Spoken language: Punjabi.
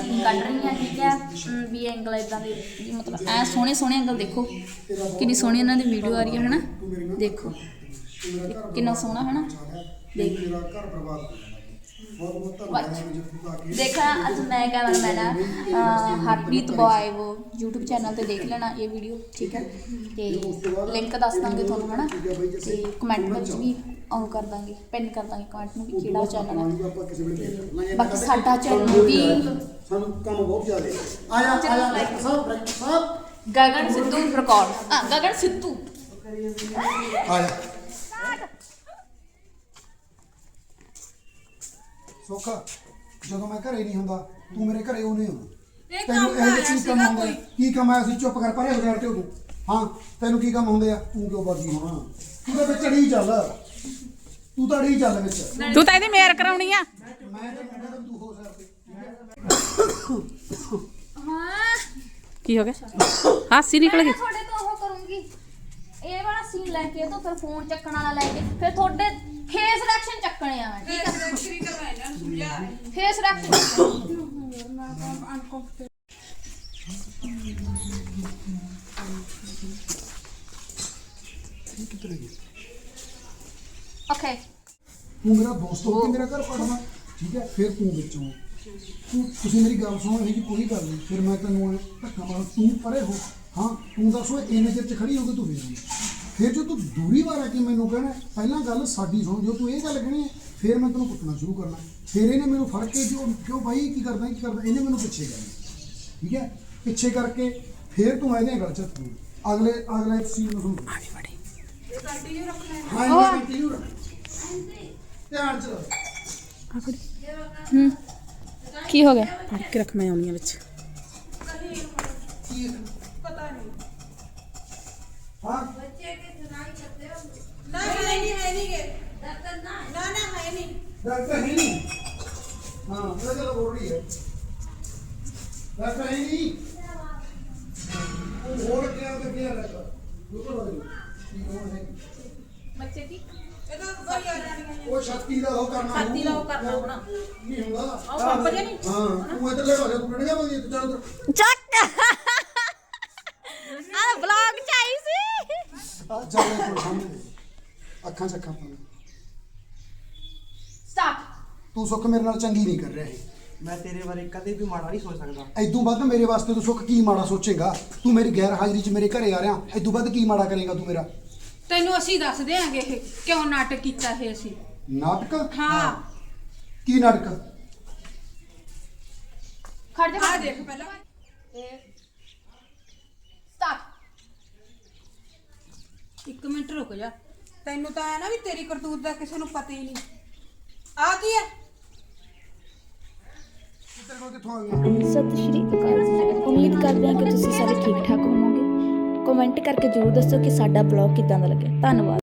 ਕੱਢ रही हैं ठीक है भी एंगल इदा के मतलब ऐ सोहने सोहने एंगल देखो कितनी सोहनी इन्हां दी वीडियो आ रही है ना देखो कितना सोहना है ना देख देखा अज मैं कहना मैंने हरप्रीत बॉय वो यूट्यूब चैनल ते देख लेना ये वीडियो ठीक है तो लिंक दस देंगे थोड़ा है ना तो कमेंट में भी ऑन कर देंगे पिन कर देंगे कमेंट में भी किहड़ा चैनल है बाकी साडा चैनल भी गगन सिद्धू रिकॉर्ड गगन सिद्धू ਸੋਖਾ ਜਦੋਂ ਮੈਂ ਘਰੇ ਨਹੀਂ ਹੁੰਦਾ ਤੂੰ ਮੇਰੇ ਘਰੇ ਉਹ ਨਹੀਂ ਹੁੰਦਾ ਤੈਨੂੰ ਇਹ ਕੀ ਕੰਮ ਹੁੰਦਾ ਕੀ ਕੰਮ ਆ ਅਸੀਂ ਚੁੱਪ ਕਰ ਪਰੇ ਹੋ ਜਾਣ ਤੇ ਤੂੰ ਹਾਂ ਤੈਨੂੰ ਕੀ ਕੰਮ ਹੁੰਦੇ ਆ ਤੂੰ ਕਿਉਂ ਬਾਜੀ ਹੋਣਾ ਤੂੰ ਤਾਂ ਵਿੱਚ ਅੜੀ ਚੱਲ ਤੂੰ ਤਾਂ ਅੜੀ ਚੱਲ ਵਿੱਚ ਤੂੰ ਤਾਂ ਇਹਦੀ ਮੇਰ ਕਰਾਉਣੀ ਆ ਮੈਂ ਤਾਂ ਕਹਿੰਦਾ ਤੂੰ ਹੋ ਸਕਦੇ हाँ ਕੀ ਹੋ ਗਿਆ ਹਾਸੀ ਨਿਕਲ ਗਈ थोड़े तो वो करूंगी ये वाला सीन लेके तो फिर फोन चक्कण वाला लेके फिर थोड़े फेस रिएक्शन चक्कने आ ठीक है फेस रिएक्शन ओके ਤੂੰ ਮੇਰਾ ਦੋਸਤ ਹੋ ਕੇ ਮੇਰਾ ਘਰ ਪੜਨਾ ਠੀਕ ਹੈ ਫਿਰ ਤੂੰ ਵਿੱਚੋਂ ਤੁਸੀਂ ਮੇਰੀ ਗੱਲ ਸੁਣੋ ਇਹ ਜੀ ਕੋਈ ਗੱਲ ਨਹੀਂ ਫਿਰ ਮੈਂ ਤੈਨੂੰ ਧੱਕਾ ਮਾਰ ਤੂੰ ਪਰੇ ਹੋ ਹਾਂ ਤੂੰ ਦੱਸੋ ਇੰਨੇ ਚਿਰ ਚ ਖੜੀ ਹੋ ਕੇ ਤੂੰ ਫਿਰ ਜੋ ਤੂੰ ਦੂਰੀ ਵਾਰ ਕੇ ਮੈਨੂੰ ਕਹਿਣਾ ਪਹਿਲਾਂ ਗੱਲ ਸਾਡੀ ਸੁਣ ਜੋ ਤੂੰ ਇਹ ਗੱਲ ਕਹਿਣੀ ਹੈ ਫਿਰ ਮੈਂ ਤੈਨੂੰ ਕੁੱਟਣਾ ਸ਼ੁਰੂ ਕਰਨਾ ਫਿਰ ਇਹਨੇ ਮੈਨੂੰ ਫੜ ਕੇ ਕਿਉਂ ਭਾਈ ਕੀ ਕਰਦਾ ਇਹਨੇ ਮੈਨੂੰ ਪਿੱਛੇ ਕਰਨਾ ਠੀਕ ਹੈ ਪਿੱਛੇ ਕਰਕੇ ਫਿਰ ਤੂੰ ਇਹਦੇ ਗੱਲ ਚ ਅਗਲੇ ਸੀਨ ਨੂੰ ਸੁਣ ਆੜੀ ਬੜੀ ਇਹ ਕੰਟੀਨਿਊ ਰੱਖਣਾ ਹੈ ਹਾਂ ਕੰਟੀਨਿਊ ਰੱਖ ਧਿਆਨ ਚ ਕੀ ਹੋ ਗਿਆ ਫੜ ਕੇ ਰੱਖ ਮੈਂ ਆਉਣੀ ਆ ਵਿੱਚ पता नहीं हाँ बच्चे के सुनाई करते हो ना है नहीं के डॉक्टर ना है नहीं डॉक्टर है नहीं हाँ चलो बोल रही है डॉक्टर है नहीं वो बोल क्या डॉक्टर बिल्कुल बच्चे की ये तो वही आ रही है वो छाती का हो करना छाती का हो करना होना नहीं होगा और पंप जे नहीं हाँ तू इधर ले तू डंडिया बंदी तू चल ਚੱਕ ਆ ਵਲੌਗ ਚ ਆਈ ਸੀ ਚੱਲ ਕੋਲ ਸਾਹਮਣੇ ਅੱਖਾਂ ਚ ਅੱਖਾਂ ਪਾ स्टार्ट ਤੂੰ ਸੁੱਖ ਮੇਰੇ ਨਾਲ ਚੰਗੀ ਨਹੀਂ ਕਰ ਰਿਹਾ ਇਹ मैं तेरे बारे कदे भी माड़ा नहीं सोच सकता ਐਦੋਂ ਵੱਧ ਮੇਰੇ ਵਾਸਤੇ ਤੂੰ ਸੁੱਖ ਕੀ ਮਾੜਾ ਸੋਚੇਗਾ ਤੂੰ ਮੇਰੀ ਗੈਰ ਹਾਜ਼ਰੀ 'ਚ ਮੇਰੇ ਘਰੇ ਆ ਰਿਹਾ ਐਦੋਂ ਵੱਧ ਕੀ ਮਾੜਾ ਕਰੇਗਾ ਤੂੰ ਮੇਰਾ ਤੈਨੂੰ ਅਸੀਂ ਦੱਸ ਦੇਾਂਗੇ ਇਹ ਕਿਉਂ ਨਾਟਕ ਕੀਤਾ ਇਹ ਅਸੀਂ ਨਾਟਕ ਹਾਂ ਕੀ ਨਾਟਕ खड़ जा ਆ ਦੇਖ ਪਹਿਲਾਂ स्टार्ट ਇੱਕ ਮਿੰਟ ਰੁਕ ਜਾ ਤੈਨੂੰ ਤਾਂ ਐ ਨਾ ਵੀ ਤੇਰੀ ਕਰਤੂਤ ਦਾ ਕਿਸੇ ਨੂੰ ਪਤਾ ਹੀ ਨਹੀਂ ਆ ਕੀ ਹੈ ਤੇਰੇ ਕੋਲ ਕਿੱਥੋਂ ਆ ਗਿਆ ਸਤਿ ਸ਼੍ਰੀ ਅਕਾਲ ਉਮੀਦ ਕਰਦੇ ਹਾਂ ਕਿ ਤੁਸੀਂ ਸਾਰੇ ਠੀਕ ਠਾਕ ਹੋਵੋਗੇ ਕਮੈਂਟ ਕਰਕੇ ਜ਼ਰੂਰ ਦੱਸੋ ਕਿ ਸਾਡਾ ਬਲੌਗ ਕਿੱਦਾਂ ਦਾ ਲੱਗਿਆ ਧੰਨਵਾਦ।